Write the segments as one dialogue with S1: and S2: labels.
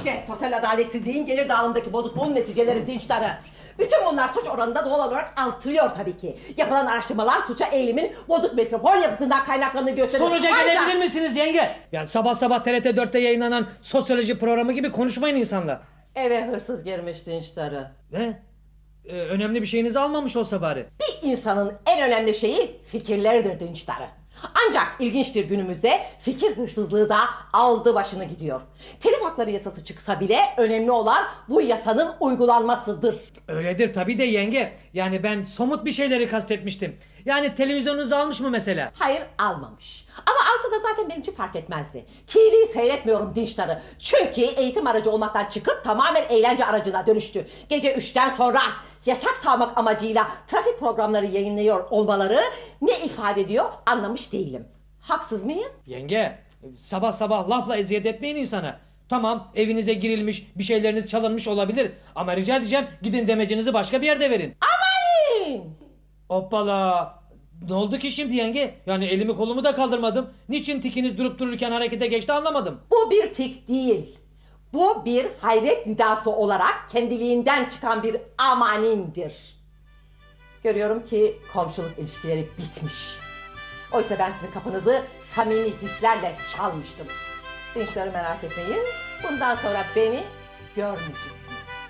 S1: İşte sosyal adaletsizliğin gelir dağılımındaki bozukluğun neticeleri Dinçtar'ı. Bütün bunlar suç oranında doğal olarak artırıyor tabii ki. Yapılan araştırmalar suça eğilimin bozuk metropol yapısından kaynaklandığını gösteriyor.
S2: Sonuca gelebilir misiniz yenge? Yani sabah sabah TRT 4'te yayınlanan sosyoloji programı gibi konuşmayın insanla.
S1: Eve hırsız girmiş Dinçtar'ı.
S2: Ne? Önemli bir şeyinizi almamış olsa bari.
S1: Bir insanın en önemli şeyi fikirleridir Dinçtar'ı. Ancak ilginçtir, günümüzde fikir hırsızlığı da aldı başını gidiyor. Telif hakları yasası çıksa bile önemli olan bu yasanın uygulanmasıdır.
S2: Öyledir tabii de yenge. Yani ben somut bir şeyleri kastetmiştim. Yani televizyonunuzu almış mı mesela?
S1: Hayır, almamış. Ama alsa da zaten benim için fark etmezdi. TV seyretmiyorum Dinçtar'ı. Çünkü eğitim aracı olmaktan çıkıp tamamen eğlence aracına dönüştü. Gece 3'ten sonra yasak savmak amacıyla trafik programları yayınlıyor olmaları ne ifade ediyor anlamış değilim. Haksız mıyım?
S2: Yenge, sabah sabah lafla eziyet etmeyin insana. Tamam, evinize girilmiş, bir şeyleriniz çalınmış olabilir. Ama rica edeceğim, gidin demecinizi başka bir yerde verin.
S1: Amanin!
S2: Hoppala! Ne oldu ki şimdi yenge? Yani elimi kolumu da kaldırmadım. Niçin tikiniz durup dururken harekete geçti anlamadım.
S1: Bu bir tik değil. Bu bir hayret nidası olarak kendiliğinden çıkan bir amanindir. Görüyorum ki komşuluk ilişkileri bitmiş. Oysa ben sizin kapınızı samimi hislerle çalmıştım. Dinçleri merak etmeyin. Bundan sonra beni görmeyeceksiniz.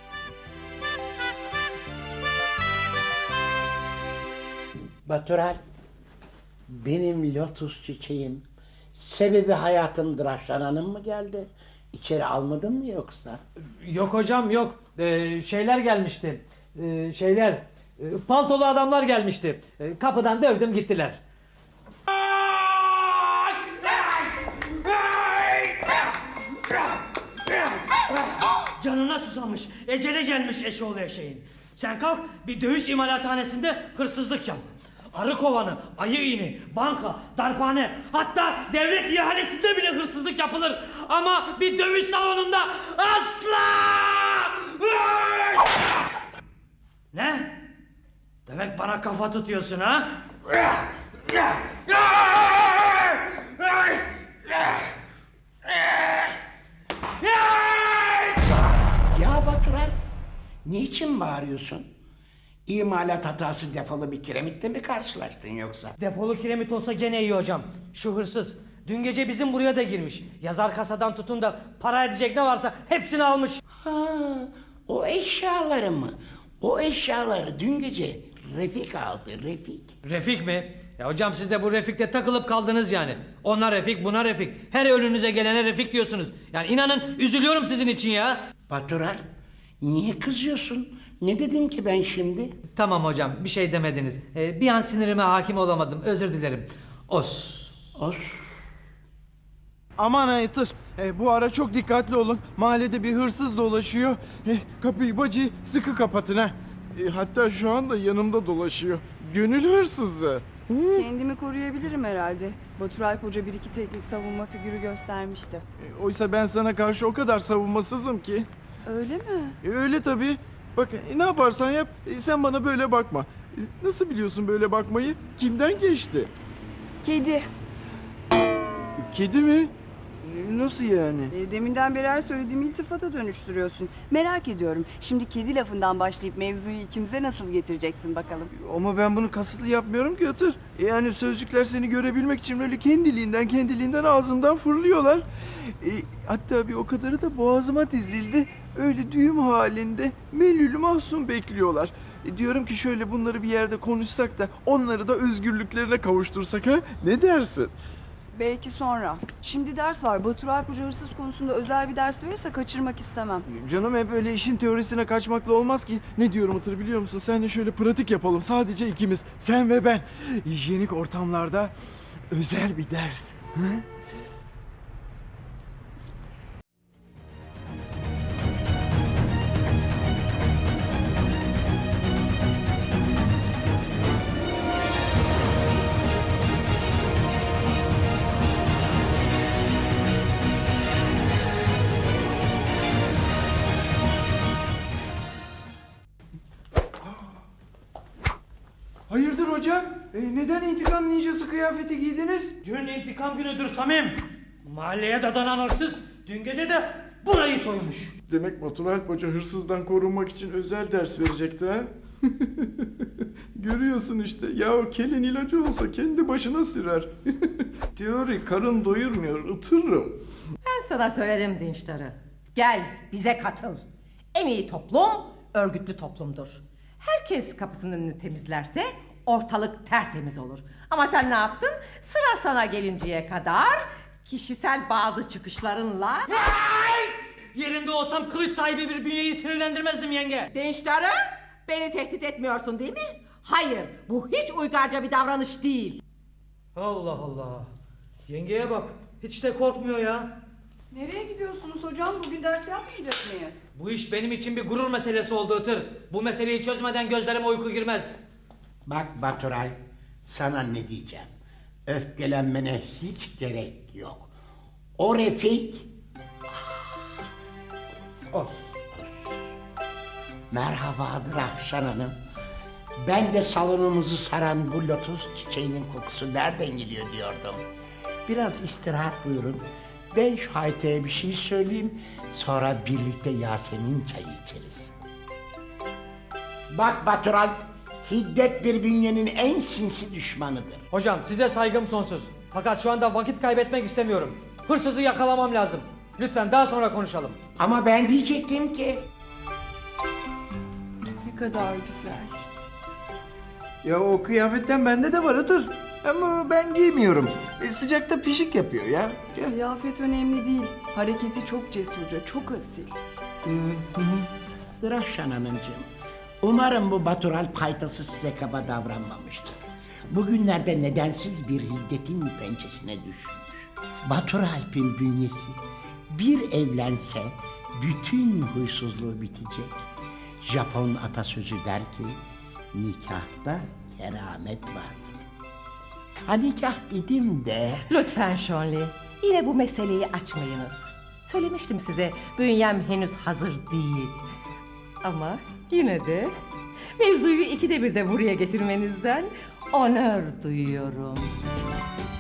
S3: Batural, benim lotus çiçeğim, sebebi hayatımdır Hanım mı geldi? İçeri almadın mı yoksa?
S2: Yok hocam yok. Şeyler gelmişti. Paltolu adamlar gelmişti. Kapıdan dövdüm gittiler. Canına susamış. Ecele gelmiş eşoğlu eşeğin. Sen kalk bir dövüş imalathanesinde hırsızlık yap. Arı kovanı, ayı iğni, banka, darphane, hatta devlet ihalesinde bile hırsızlık yapılır. Ama bir dövüş salonunda asla! Ne? Demek bana kafa tutuyorsun ha?
S3: Ya Batural, niçin bağırıyorsun? İmalat hatası defolu bir kiremitle mi karşılaştın yoksa?
S2: Defolu kiremit olsa gene iyi hocam. Şu hırsız dün gece bizim buraya da girmiş. Yazar kasadan tutun da para edecek ne varsa hepsini almış.
S3: Ha, o eşyaları mı? O eşyaları dün gece Refik aldı, Refik.
S2: Refik mi? Ya hocam siz de bu Refik'te takılıp kaldınız yani. Ona Refik, buna Refik. Her önünüze gelene Refik diyorsunuz. Yani inanın üzülüyorum sizin için ya.
S3: Batural, niye kızıyorsun? Ne dedim ki ben şimdi?
S2: Tamam hocam bir şey demediniz. Bir an sinirime hakim olamadım. Özür dilerim. Os.
S3: Os.
S4: Aman Aytır, bu ara çok dikkatli olun. Mahallede bir hırsız dolaşıyor. Kapıyı bacı sıkı kapatın ha. Hatta şu anda yanımda dolaşıyor. Gönül hırsızı.
S5: Kendimi koruyabilirim herhalde. Batur Alp Hoca bir iki teknik savunma figürü göstermişti.
S4: Oysa ben sana karşı o kadar savunmasızım ki.
S5: Öyle mi?
S4: Öyle tabii. Bak ne yaparsan yap, sen bana böyle bakma. Nasıl biliyorsun böyle bakmayı? Kimden geçti?
S5: Kedi.
S4: Kedi mi? Nasıl yani?
S5: Deminden beri her söylediğimi iltifata dönüştürüyorsun. Merak ediyorum. Şimdi kedi lafından başlayıp mevzuyu ikimize nasıl getireceksin bakalım.
S4: Ama ben bunu kasıtlı yapmıyorum ki Hatır. Yani sözcükler seni görebilmek için böyle kendiliğinden ağzımdan fırlıyorlar. Hatta bir o kadarı da boğazıma dizildi. Öyle düğüm halinde melül mahzun bekliyorlar. Diyorum ki şöyle bunları bir yerde konuşsak da onları da özgürlüklerine kavuştursak ha? Ne dersin?
S5: Belki sonra. Şimdi ders var. Batur Alp Hoca hırsız konusunda özel bir ders verirse kaçırmak istemem.
S4: Canım hep öyle işin teorisine kaçmakla olmaz ki. Ne diyorum Hatır biliyor musun? Seninle şöyle pratik yapalım. Sadece ikimiz. Sen ve ben. Hijyenik ortamlarda özel bir ders. Hı? Hayırdır hocam? Neden intikam ninjası kıyafeti giydiniz?
S2: Dün intikam günüdür Samim. Mahalleye dadanan hırsız dün gece de burayı soymuş.
S4: Demek Batur Alp Hoca hırsızdan korunmak için özel ders verecekti ha? Görüyorsun işte. Ya o kelin ilacı olsa kendi başına sürer. Teori karın doyurmuyor, ıtırırım.
S1: Ben sana söyledim Dinçtar'ı. Gel bize katıl. En iyi toplum örgütlü toplumdur. Herkes kapısının önünü temizlerse ortalık tertemiz olur. Ama sen ne yaptın? Sıra sana gelinceye kadar kişisel bazı çıkışlarınla...
S2: Yerinde olsam kılıç sahibi bir bünyeyi sinirlendirmezdim yenge.
S1: Dinçtar'ı beni tehdit etmiyorsun değil mi? Hayır, bu hiç uygarca bir davranış değil.
S2: Allah Allah. Yengeye bak. Hiç de korkmuyor ya.
S5: Nereye gidiyorsunuz hocam? Bugün ders yapmayacak mıyız?
S2: Bu iş benim için bir gurur meselesi oldu Itır. Bu meseleyi çözmeden gözlerime uyku girmez.
S3: Bak Baturay, sana ne diyeceğim. Öfkelenmene hiç gerek yok. O Refik...
S2: Os.
S3: Merhabadır Ahşan Hanım. Ben de salonumuzu saran bu lotus çiçeğinin kokusu nereden geliyor diyordum. Biraz istirahat buyurun. Ben şu hayteye bir şey söyleyeyim. Sonra birlikte Yasemin çayı içeriz. Bak Batural, hiddet bir bünyenin en sinsi düşmanıdır.
S2: Hocam size saygım sonsuz. Fakat şu anda vakit kaybetmek istemiyorum. Hırsızı yakalamam lazım. Lütfen daha sonra konuşalım.
S3: Ama ben diyecektim ki...
S5: Ne kadar güzel.
S4: Ya o kıyafetten bende de var Itır. Ama ben giymiyorum. Sıcakta pişik yapıyor ya. Gel.
S5: Kıyafet önemli değil. Hareketi çok cesurca, çok asil.
S3: Ahşan Hanımcığım, umarım bu Batural paytası size kaba davranmamıştır. Bugünlerde nedensiz bir hiddetin pençesine düşmüş. Baturalp'in bünyesi bir evlense bütün huysuzluğu bitecek. Japon atasözü der ki, nikahta keramet vardır. Ha nikah dedim de...
S1: Lütfen Şonli, yine bu meseleyi açmayınız. Söylemiştim size, bünyem henüz hazır değil. Ama yine de mevzuyu ikide bir de buraya getirmenizden onur duyuyorum.